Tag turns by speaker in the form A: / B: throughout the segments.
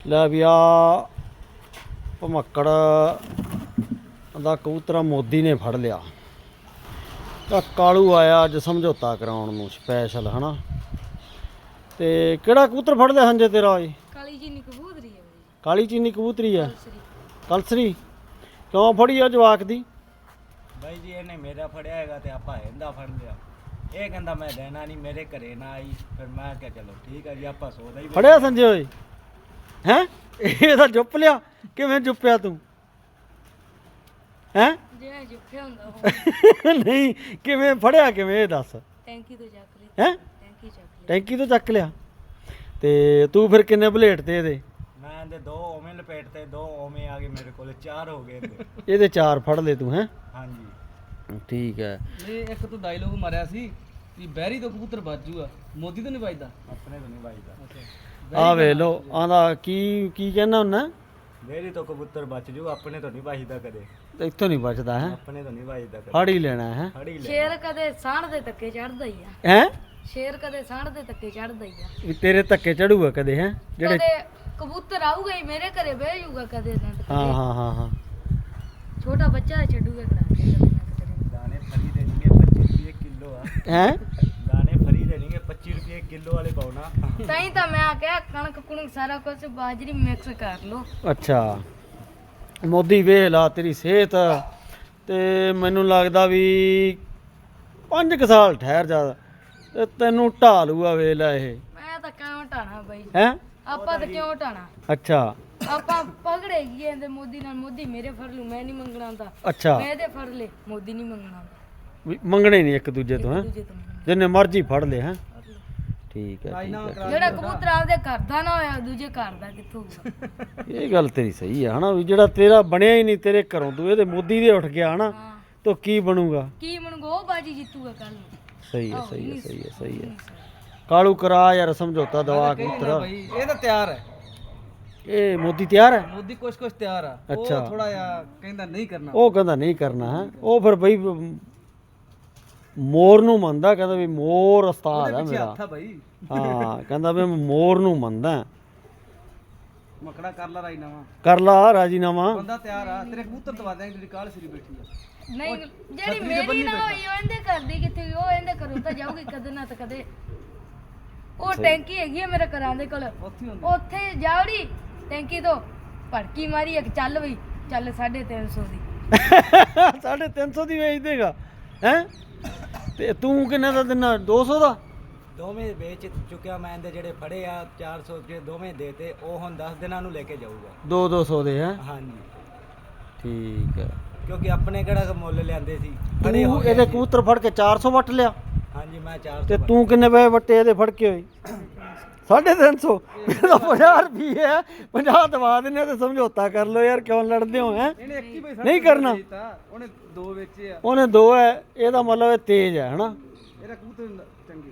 A: ਲੈ ਵੀ ਆ ਭਮੱਕੜ ਦਾ ਕਬੂਤਰਾ ਮੋਦੀ ਨੇ ਫੜ ਲਿਆ। ਤਾਂ ਕਾਲੂ ਆਇਆ ਅੱਜ ਸਮਝੌਤਾ ਕਰਾਉਣ ਨੂੰ ਸਪੈਸ਼ਲ ਹਨਾ। ਤੇ ਕਿਹੜਾ ਕਬੂਤਰ ਫੜ ਲਿਆ ਸੰਜੇ ਤੇਰਾ ਓਏ?
B: ਕਾਲੀ ਚੀਨੀ ਕਬੂਤਰੀ ਹੈ ਬਈ।
A: ਕਾਲੀ ਚੀਨੀ ਕਬੂਤਰੀ ਆ ਕਲਸਰੀ। ਕਿਉਂ ਫੜੀ ਆ ਜਵਾਕ ਦੀ?
C: ਬਾਈ ਜੀ ਇਹਨੇ ਮੇਰਾ ਫੜਿਆ ਹੈਗਾ ਤੇ ਆਪਾਂ ਇਹਦਾ ਫੜ ਲਿਆ। ਇਹ ਕਹਿੰਦਾ ਮੈਂ ਦੇਣਾ ਨਹੀਂ, ਮੇਰੇ ਘਰੇ ਨਾ ਆਈ। ਫਿਰ ਮੈਂ ਕਿਹਾ ਚਲੋ ਠੀਕ ਹੈ ਜੀ, ਆਪਾਂ ਸੌਦਾ ਹੀ
A: ਫੜਿਆ ਸੰਜੇ ਓਏ? ਹੈਂ ਇਹ ਤਾਂ ਜੁੱਪ ਲਿਆ। ਕਿਵੇਂ ਜੁੱਪਿਆ ਤੂੰ? ਹੈਂ
B: ਜਿਵੇਂ ਜੁੱਫਿਆ ਹੁੰਦਾ ਉਹ
A: ਨਹੀਂ ਕਿਵੇਂ ਫੜਿਆ ਕਿਵੇਂ ਇਹ ਦੱਸ।
B: ਟੈਂਕੀ ਤੋਂ ਚੱਕ ਲਈ।
A: ਹੈਂ
B: ਟੈਂਕੀ ਚੱਕ ਲਈ।
A: ਟੈਂਕੀ ਤੋਂ ਚੱਕ ਲਿਆ। ਤੇ ਤੂੰ ਫਿਰ ਕਿੰਨੇ ਬਲੇਟ ਤੇ ਇਹਦੇ?
C: ਮੈਂ ਇਹਦੇ 2 ਓਵੇਂ ਲਪੇਟ ਤੇ 2 ਓਵੇਂ ਆ ਗਏ ਮੇਰੇ ਕੋਲ, 4 ਹੋ ਗਏ ਇਹਦੇ।
A: ਇਹਦੇ 4 ਫੜ ਲਏ ਤੂੰ ਹੈਂ?
C: ਹਾਂਜੀ
A: ਠੀਕ ਹੈ।
D: ਇਹ ਇੱਕ ਤੂੰ ਡਾਇਲੋਗ ਮਾਰਿਆ ਸੀ ਵੀ ਬਹਿਰੀ ਤੋਂ ਕਬੂਤਰ ਬਾਜੂਗਾ, ਮੋਦੀ ਤੋਂ ਨਹੀਂ ਵੱਜਦਾ।
C: ਆਪਣੇ ਤੋਂ ਨਹੀਂ ਵੱਜਦਾ।
A: ਆ ਵੇਖ ਲੋ ਆਂਦਾ ਕੀ ਕਹਿਣਾ ਹੁੰਦਾ?
C: ਮੇਰੀ ਤੋਂ ਕਬੂਤਰ ਬਚ ਜੂ, ਆਪਣੇ ਤੋਂ ਨਹੀਂ ਵੱਜਦਾ ਕਦੇ।
A: ਇੱਥੋਂ ਨਹੀਂ ਬਚਦਾ ਹੈ।
C: ਆਪਣੇ ਤੋਂ ਨਹੀਂ ਵੱਜਦਾ ਕਦੇ।
A: ਫੜ ਹੀ ਲੈਣਾ ਹੈ।
C: ਫੜ ਹੀ ਲੈ।
B: ਸ਼ੇਰ ਕਦੇ ਸਾਂਢ ਦੇ ਧੱਕੇ ਚੜਦਾ ਹੀ ਆ।
A: ਹੈ
B: ਸ਼ੇਰ ਕਦੇ ਸਾਂਢ ਦੇ ਧੱਕੇ ਚੜਦਾ ਹੀ ਆ।
A: ਵੀ ਤੇਰੇ ਧੱਕੇ ਚੜੂਗਾ ਕਦੇ ਹੈ ਜਿਹੜੇ?
B: ਕਦੇ ਕਬੂਤਰ ਆਊਗਾ ਹੀ ਮੇਰੇ ਘਰੇ ਬਹਿ ਜਾਊਗਾ ਕਦੇ ਨਾ ਕਦੇ।
A: ਹਾਂ
B: ਛੋਟਾ ਬੱਚਾ ਛੱਡੂਗਾ ਕਰਾ ਕੇ ਕਦੇ ਨਾ ਕਦੇ।
C: ਦਾਣੇ ਫਰੀ ਦੇਣਗੇ 25 ਰੁਪਏ ਕਿਲੋ ਆ।
A: ਹੈ
C: ਦਾਣੇ ਫਰੀ ਦੇਣਗੇ 25 ਰੁਪਏ ਕਿਲੋ ਵਾਲੇ ਪਾਉਣਾ।
B: ਤਾਂ ਤਾਂ ਮੈਂ ਕਿਹਾ ਕਣਕ ਕੁਣਕ ਸਾਰਾ ਕੁਝ ਬਾਜਰੀ ਮਿਕਸ ਕਰ ਲੋ।
A: ਅੱਛਾ ਮੋਦੀ ਵੇਖ ਲਾ ਤੇਰੀ ਸਿਹਤ ਤੇ ਮੈਨੂੰ ਲੱਗਦਾ ਵੀ 5 ਸਾਲ ਠਹਿਰ ਜਾ ਤੇ ਤੈਨੂੰ ਢਾ ਲੂਗਾ। ਵੇਖ ਲੈ ਇਹ।
B: ਮੈਂ ਤਾਂ ਕਿਉਂ ਢਾਣਾ ਬਾਈ?
A: ਹੈ
B: ਆਪਾਂ ਤਾਂ ਕਿਉਂ ਢਾਣਾ?
A: ਅੱਛਾ
B: ਆਪਾਂ ਪਕੜੇ ਗਏ ਇਹਦੇ ਮੋਦੀ ਨਾਲ। ਮੋਦੀ ਮੇਰੇ ਫੜ ਲੂ, ਮੈਂ ਨਹੀਂ ਮੰਗਣਾ ਹੁੰਦਾ।
A: ਅੱਛਾ
B: ਮੈਂ ਇਹਦੇ ਫੜ ਲੇ, ਮੋਦੀ ਨਹੀਂ ਮੰਗਣਾ ਹੁੰਦਾ।
A: ਵੀ ਮੰਗਣੇ ਨਹੀਂ ਇੱਕ ਦੂਜੇ ਤੋਂ ਹੈ?
B: ਦੂਜੇ ਤੋਂ ਮੰਗਣਾ।
A: ਜਿੰਨੇ ਮਰਜ਼ੀ ਫੜ ਲੈ ਹੈ। ਠੀਕ ਹੈ
B: ਜਿਹੜਾ ਕਬੂਤਰ ਆਪਦੇ ਘਰ ਦਾ ਨਾ ਹੋਇਆ ਦੂਜੇ ਘਰ ਦਾ ਕਿੱਥੋਂ ਹੋਊਗਾ?
A: ਇਹ ਗੱਲ ਤੇਰੀ ਸਹੀ ਆ ਹਨਾ। ਵੀ ਜਿਹੜਾ ਤੇਰਾ ਬਣਿਆ ਹੀ ਨਹੀਂ ਤੇਰੇ ਘਰੋਂ, ਤੂੰ ਇਹਦੇ ਮੋਦੀ ਦੇ ਉੱਠ ਗਿਆ ਹਨਾ,
B: ਹਾਂ
A: ਤਾਂ ਕੀ ਬਣੂਗਾ?
B: ਕੀ ਮੰਗੋ ਉਹ ਬਾਜੀ ਜਿੱਤੂਗਾ ਕੱਲ ਨੂੰ।
A: ਸਹੀ ਹੈ ਸਹੀ ਹੈ। ਕਾਲੂ ਕਰਾ ਯਾਰ ਸਮਝੌਤਾ ਦਵਾ ਕਬੂਤਰ।
D: ਭਾਈ ਇਹ ਤਾਂ ਤਿਆਰ ਹੈ,
A: ਇਹ ਮੋਦੀ ਤਿਆਰ ਹੈ?
D: ਮੋਦੀ ਕੁਛ ਤਿਆਰ ਆ।
A: ਅੱਛਾ।
D: ਉਹ ਥੋੜਾ ਜਿਹਾ ਕਹਿੰਦਾ ਨਹੀਂ ਕਰਨਾ।
A: ਉਹ ਕਹਿੰਦਾ ਨਹੀਂ ਕਰਨਾ ਹੈ। ਉਹ ਫਿਰ ਬਈ ਮੋਰ ਨੂੰ ਮੰਨਦਾ, ਕਹਿੰਦਾ ਵੀ ਮੋਰ ਉਸਤਾਦ ਹੈ
D: ਪਿੱਛੇ
A: ਮੇਰਾ।
D: ਹੱਥ ਆ ਭਾਈ।
A: ਹਾਂ ਕਹਿੰਦਾ ਵੀ ਮੈਂ ਮੋਰ ਨੂੰ ਮੰਨਦਾ।
D: ਮਕੜਾ ਕਰ ਲਾ ਰਾਈ ਨਵਾਂ,
A: ਕਰ ਲਾ ਰਾਜੀਨਾਮਾ।
D: ਬੰਦਾ ਤਿਆਰ ਆ। ਤੇਰੇ ਕਬੂਤਰ ਦਵਾ ਦਿਆਂਗੇ ਜਿਹੜੀ ਕਾਲ ਸਿਰੀ ਬੈਠੀ ਆ।
B: ਨਹੀਂ ਜਿਹੜੀ ਮੇਰੀ ਨਾ ਹੋਈ ਉਹ ਇਹਦੇ ਕਰਦੀ ਕਿੱਥੇ ਗਈ? ਉਹ ਇਹਦੇ ਘਰੋਂ ਤਾਂ ਜਾਊਗੀ ਕਦੇ ਨਾ ਤਾਂ ਕਦੇ। ਉਹ ਟੈਂਕੀ ਹੈਗੀ ਆ ਮੇਰੇ ਘਰਾਂ ਦੇ ਕੋਲ,
D: ਉੱਥੇ ਹੁੰਦੀ
B: ਉੱਥੇ ਜਾਵੜੀ ਟੈਂਕੀ ਤੋਂ ਭੜਕੀ ਮਾਰੀ ਇੱਕ ਚੱਲ ਬਈ ਚੱਲ 350 ਦੀ।
A: 350 ਦੀ ਵੇਚ ਦੇਗਾ ਹੈ? ਤੇ ਤੂੰ ਕਿੰਨੇ ਦਾ ਦਿਨਾ? 200 ਦਾ?
C: ਦੋਵੇਂ ਵੇਚ ਚੁੱਕਿਆ ਮੈਂ। ਇਹਦੇ ਜਿਹੜੇ ਫੜੇ ਆ 400 ਰੁਪਏ ਦੋਵੇਂ ਦੇਤੇ। ਉਹ ਹੁਣ 10 ਦਿਨਾਂ ਨੂੰ ਲੈ ਕੇ ਜਾਊਗਾ।
A: 200 ਦੇ ਹੈ?
C: ਹਾਂਜੀ
A: ਠੀਕ ਹੈ।
C: ਕਿਉਂਕਿ ਆਪਣੇ ਕਿਹੜਾ ਮੁੱਲ ਲਿਆਂਦੇ ਸੀ, ਫੜੇ ਹੋ
A: ਤੂੰ
C: ਗਏ
A: ਇਹਦੇ
C: ਸੀ।
A: ਕਬੂਤਰ ਫੜ ਕੇ 400 ਵੱਟ ਲਿਆ
C: ਹਾਂਜੀ ਮੈਂ 400
A: ਤੇ ਤੂੰ ਕਿੰਨੇ ਪੈਸੇ ਵੱਟੇ ਇਹਦੇ ਫੜ ਕੇ ਹੋਏ? 350। ਇਹਦਾ 50 ਰੁਪਏ ਹੈ। 50 ਦਵਾ ਦਿੰਨੇ ਤੇ ਸਮਝੌਤਾ ਕਰ ਲਓ ਯਾਰ, ਕਿਉਂ ਲੜਦੇ ਹੋ ਹੈ?
D: ਇਹਨੇ ਇੱਕ ਹੀ ਭਾਈ
A: ਨਹੀਂ ਕਰਨਾ।
D: ਉਹਨੇ 2 ਵੇਚੇ ਆ।
A: ਉਹਨੇ 2 ਹੈ, ਇਹਦਾ ਮਤਲਬ ਇਹ ਤੇਜ਼ ਹੈ ਹਨਾ।
D: ਇਹਦਾ ਕਬੂਤਰ ਚੰਗੇ।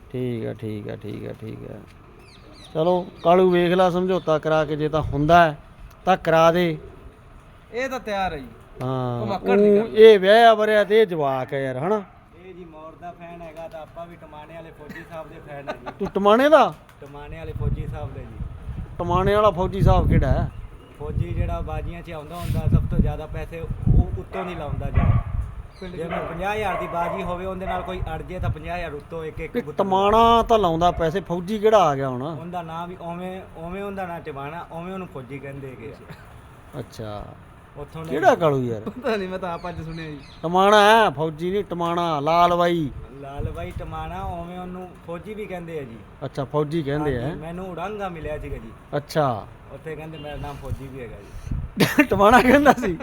A: ਠੀਕ ਹੈ। ਚਲੋ ਕਾਲੂ ਵੇਖ ਲਾ ਸਮਝੌਤਾ ਕਰਾ ਕੇ, ਜੇ ਤਾਂ ਹੁੰਦਾ ਹੈ ਤਾਂ ਕਰਾ ਦੇ।
D: ਇਹ ਤਾਂ ਤਿਆਰ ਹੈ ਜੀ।
A: ਹਾਂ ਇਹ ਵਿਆਹਿਆ ਵਰਿਆ ਤੇ ਇਹ ਜਵਾਕ ਹੈ ਯਾਰ ਹਨਾ।
C: ਇਹ ਜੀ ਮੋਰ ਦਾ ਫੈਨ ਹੈਗਾ ਤਾਂ ਆਪਾਂ ਵੀ ਟਮਾਣੇ ਵਾਲੇ ਫੌਜੀ ਸਾਹਿਬ ਦੇ ਫੈਨ ਹੈ ਜੀ।
A: ਤੂੰ ਟਮਾਣੇ ਦਾ?
C: ਟਮਾਣੇ ਵਾਲੇ ਫੌਜੀ ਸਾਹਿਬ ਦੇ ਜੀ।
A: ਟਮਾਣੇ ਵਾਲਾ ਫੌਜੀ ਸਾਹਿਬ ਕਿਹੜਾ ਹੈ?
C: ਫੌਜੀ ਜਿਹੜਾ ਬਾਜੀਆਂ 'ਚ ਆਉਂਦਾ ਹੁੰਦਾ, ਸਭ ਤੋਂ ਜ਼ਿਆਦਾ ਪੈਸੇ ਉਹ ਉੱਤੋਂ ਨਹੀਂ ਲਾਉਂਦਾ ਜੀ। ਜਿਵੇਂ 50,000 ਦੀ ਬਾਜੀ ਹੋਵੇ, ਉਹਦੇ ਨਾਲ ਕੋਈ ਅੜ ਜੇ ਤਾਂ 50,000 ਉੱਤੋਂ ਇੱਕ
A: ਕਿ
C: ਕਬੂਤਰ।
A: ਟਮਾਣਾ ਤਾਂ ਲਾਉਂਦਾ ਪੈਸੇ, ਫੌਜੀ ਕਿਹੜਾ ਆ ਗਿਆ ਹੁਣ?
C: ਉਹਦਾ ਨਾਂ ਵੀ ਉਵੇਂ ਉਹਦਾ ਨਾਂ ਟਮਾਣਾ, ਉਵੇਂ ਉਹਨੂੰ ਫੌਜੀ ਕਹਿੰਦੇ ਹੈਗੇ ਆ।
A: ਅੱਛਾ
C: ਉੱਥੋਂ ਨੇ
A: ਕਿਹੜਾ ਕਾਲੂ ਯਾਰ?
D: ਪਤਾ ਨਹੀਂ, ਮੈਂ ਤਾਂ ਆਪ ਅੱਜ ਸੁਣਿਆ ਜੀ।
A: ਟਮਾਣਾ ਹੈ ਫੌਜੀ ਨਹੀਂ, ਟਮਾਣਾ ਲਾਲ ਬਾਈ।
C: ਲਾਲ ਬਾਈ ਟਮਾਣਾ, ਉਵੇਂ ਉਹਨੂੰ ਫੌਜੀ ਵੀ ਕਹਿੰਦੇ ਆ ਜੀ।
A: ਅੱਛਾ ਫੌਜੀ ਕਹਿੰਦੇ ਆ।
C: ਹਾਂਜੀ, ਮੈਨੂੰ ਉਡਾਂਗਾ ਮਿਲਿਆ ਸੀਗਾ ਜੀ
A: ਅੱਛਾ
C: ਉੱਥੇ, ਕਹਿੰਦੇ ਮੇਰਾ ਨਾਮ ਫੌਜੀ ਵੀ ਹੈਗਾ ਜੀ।
A: ਟਮਾਣਾ ਕਹਿੰਦਾ ਸੀ?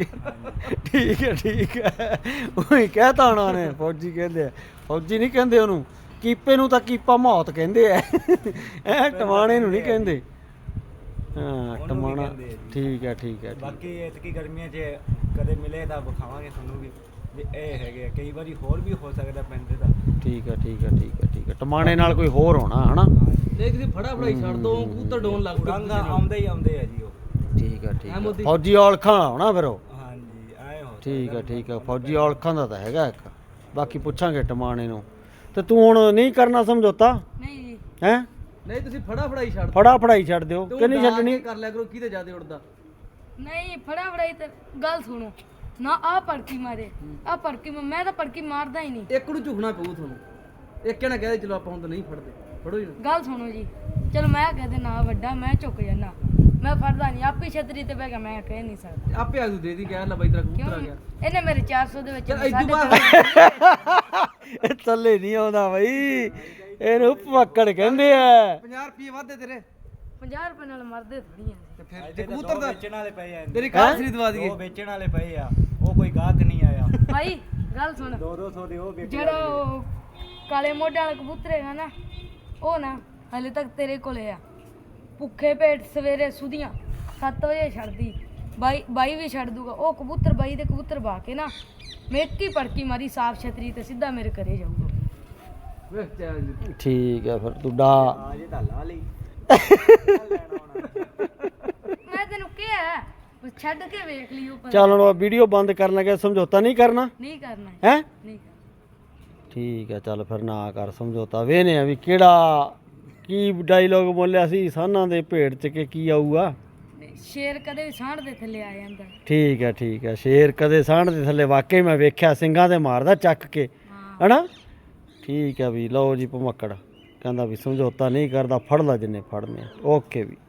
A: ਠੀਕ ਹੈ। ਉਹੀ ਕਹਿਤਾ ਉਹਨਾਂ ਨੇ ਫੌਜੀ ਕਹਿੰਦੇ ਆ। ਫੌਜੀ ਨਹੀਂ ਕਹਿੰਦੇ ਉਹਨੂੰ। ਕੀਪੇ ਨੂੰ ਤਾਂ ਕੀਪਾ ਮੌਤ ਕਹਿੰਦੇ ਆ। ਟਮਾਣੇ ਨੂੰ ਨਹੀਂ ਕਹਿੰਦੇ। ਹਾਂ
C: ਉਹਨੂੰ ਵੀ
A: ਟਮਾਣਾ।
C: ਕਹਿੰਦੇ ਆ ਜੀ।
A: ਠੀਕ ਹੈ।
C: ਬਾਕੀ ਇਤਕੀ ਗਰਮੀਆਂ 'ਚ ਕਦੇ ਮਿਲੇ ਤਾਂ ਵਿਖਾਵਾਂਗੇ ਤੁਹਾਨੂੰ ਵੀ ਇਹ ਹੈਗੇ ਆ। ਕਈ ਵਾਰੀ ਹੋਰ ਵੀ ਹੋ ਸਕਦਾ ਪਿੰਡ ਦਾ।
A: ਠੀਕ ਹੈ। ਟਮਾਣੇ ਨਾਲ ਕੋਈ ਹੋਰ ਹੋਣਾ ਹਨਾ।
D: ਦੇਖ ਜੀ, ਫੜਾ ਫੜਾਈ ਛੱਡ ਦੋ, ਕਬੂਤਰ ਡੋਨ ਲੱਗ
C: ਉਡਾਂਗਾ ਆਉਂਦੇ ਆ ਜੀ ਉਹ।
A: ਠੀਕ ਹੈ।
D: ਮੋਦੀ।
A: ਫੌਜੀ ਔਲਖਾਂ ਹੋਣਾ ਫਿਰ ਉਹ।
C: ਹਾਂਜੀ ਆਏ ਹੋ।
A: ਠੀਕ ਹੈ। ਫੌਜੀ ਔਲਖਾਂ ਦਾ ਤਾਂ ਹੈਗਾ ਇੱਕ। ਬਾਕੀ ਪੁੱਛਾਂਗੇ ਟਮਾਣੇ ਨੂੰ। ਤੇ ਤੂੰ ਹੁਣ ਨਹੀਂ ਕਰਨਾ ਸਮਝੌਤਾ
B: ਨਹੀਂ ਜੀ
A: ਹੈ?
D: ਨਹੀਂ ਤੁਸੀਂ ਫੜਾ ਫੜਾਈ ਛੱਡ
A: ਫੜਾ ਫੜਾਈ ਛੱਡ ਦਿਓ
D: ਤੇ ਉਹ
A: ਕਿ ਨਹੀਂ
D: ਉਡਾ
A: ਛੱਡਣੀ
D: ਕੇ ਕਰ ਲਿਆ ਕਰੋ ਕਿਹਦੇ ਜ਼ਿਆਦਾ ਉੜਦਾ।
B: ਨਹੀਂ ਫੜਾ ਫੜਾਈ ਤੇ ਗੱਲ ਸੁਣੋ ਨਾ ਆ ਪੜਕੀ ਮਾਰੇ ਆ ਪੜਕੀ ਮੈਂ ਤਾਂ ਪੜਕੀ ਮਾਰਦਾ ਹੀ ਨਹੀਂ।
D: ਇੱਕ ਨੂੰ ਝੁਕਣਾ ਪਊ ਤੁਹਾਨੂੰ। ਇੱਕ ਜਣਾ ਕਹਦੇ ਚਲੋ ਆਪਾਂ ਹੁਣ ਤਾਂ ਨਹੀਂ ਫੜਦੇ, ਫੜੋ ਜੀ।
B: ਗੱਲ ਸੁਣੋ ਜੀ ਚਲੋ ਮੈਂ ਕਹਦੇ ਨਾ ਵੱਡਾ ਮੈਂ ਝੁਕ ਜਾਣਾ ਮੈਂ ਫੜਦਾ ਨਹੀਂ ਆਪੀ ਛਤਰੀ ਤੇ ਬਹਿ ਕੇ ਮੈਂ ਕਹਿ ਨਹੀਂ ਸਕਦਾ।
D: ਆਪੇ ਆਜੂ ਦੇ ਦੀ ਕਹਿ ਲੈ ਬਾਈ ਤੇਰਾ ਕਬੂਤਰ ਆ ਗਿਆ।
B: ਇਹਨੇ ਮੇਰੇ 400 ਦੇ ਵਿੱਚ
D: ਚਲ
B: ਸਾਢੇ
D: ਇਦੋਂ ਬਾਅਦ
A: ਇਹ ਥੱਲੇ ਨਹੀਂ ਆਉਂਦਾ ਬਈ, ਇਹਨੂੰ ਪਕੜ ਕਹਿੰਦੇ ਆ।
D: 50 ਰੁਪਏ ਵਾਧੇ ਤੇਰੇ
B: 50 ਰੁਪਏ ਨਾਲ ਮਰਦੇ ਥੋੜੀਆਂ
D: ਤੇ ਫਿਰ
C: ਇਹਦੇ
D: ਤੇ
C: ਤਾਂ
D: ਕਬੂਤਰ
C: ਦੋ
D: ਦਾ
C: ਵੇਚਣ ਵਾਲੇ ਪਏ ਆ
D: ਤੇਰੀ ਕਾਰ ਖਰੀਦ ਦਵਾ
C: ਦੋ
D: ਦਈਏ।
C: ਵੇਚਣ ਵਾਲੇ ਪਏ ਆ, ਉਹ ਕੋਈ ਗਾਹਕ ਨਹੀਂ ਆਇਆ।
B: ਭਾਈ ਗੱਲ ਸੁਣ
C: 200 ਦੇ ਉਹ ਵੇਚਣ
B: ਜਿਹੜਾ ਉਹ ਕਾਲੇ ਮੋਢੇ ਵਾਲਾ ਕਬੂਤਰ ਹੈਗਾ ਨਾ ਉਹ ਨਾ ਹਲੇ ਤੱਕ ਤੇਰੇ ਕੋਲੇ ਆ। ਭੁੱਖੇ ਪੇਟ ਸਵੇਰੇ ਸੁਧੀਆਂ 7 ਵਜੇ ਛੱਡਦੀ ਬਾਈ ਵੀ ਛੱਡ ਦੂਗਾ ਉਹ ਕਬੂਤਰ ਬਾਈ ਦੇ ਕਬੂਤਰ ਬਾ ਕੇ ਨਾ ਮੈਂ ਇੱਕ ਹੀ ਪੜਕੀ ਮਾਰੀ ਸਾਫ ਛਤਰੀ ਤੇ ਸਿੱਧਾ ਮੇਰੇ ਘਰੇ ਜਾਊਗਾ।
D: ਵੇਖ ਚੱਲ ਜੀ।
A: ਠੀਕ ਆ ਫਿਰ ਤੂੰ ਡਾ
C: ਆ ਜੇ ਤਾਂ ਲਾ ਲਈ
B: ਮੈਂ ਤੈਨੂੰ ਕਿਹਾ ਬਸ ਛੱਡ ਕੇ ਵੇਖ ਲਈ ਉਹ ਪਤਾ
A: ਚੱਲ ਹੁਣ ਵੀਡੀਓ ਬੰਦ ਕਰਨ ਲੱਗੇ, ਸਮਝੌਤਾ ਨਹੀਂ ਕਰਨਾ
B: ਨਹੀਂ ਕਰਨਾ
A: ਹੈ।
B: ਨਹੀਂ ਕਰਨਾ।
A: ਠੀਕ ਆ ਚੱਲ ਫਿਰ ਨਾ ਕਰ ਸਮਝੌਤਾ, ਵੇਨੇ ਆ ਵੀ ਕਿਹੜਾ ਕੀ ਡਾਇਲੋਗ ਬੋਲਿਆ ਸੀ ਸਾਨਾਂ ਦੇ ਭੇਡ ਚ ਕਿ ਕੀ ਆਊਗਾ।
B: ਨਹੀਂ, ਸ਼ੇਰ ਕਦੇ ਵੀ ਸਾਂਢ ਦੇ ਥੱਲੇ ਆ ਜਾਂਦਾ।
A: ਠੀਕ ਆ ਸ਼ੇਰ ਕਦੇ ਸਾਂਢ ਦੇ ਥੱਲੇ ਵਾਕਈ ਮੈਂ ਵੇਖਿਆ ਸਿੰਘਾਂ ਤੇ ਮਾਰਦਾ ਚੱਕ ਕੇ
B: ਹਾਂ
A: ਹਨਾ। ਠੀਕ ਆ ਵੀ ਲਓ ਜੀ ਭਮੱਕੜ ਕਹਿੰਦਾ ਵੀ ਸਮਝੌਤਾ ਨਹੀਂ ਕਰਦਾ, ਫੜ ਲੈ ਜਿੰਨੇ ਫੜਨੇ ਆ। ਓਕੇ ਵੀ।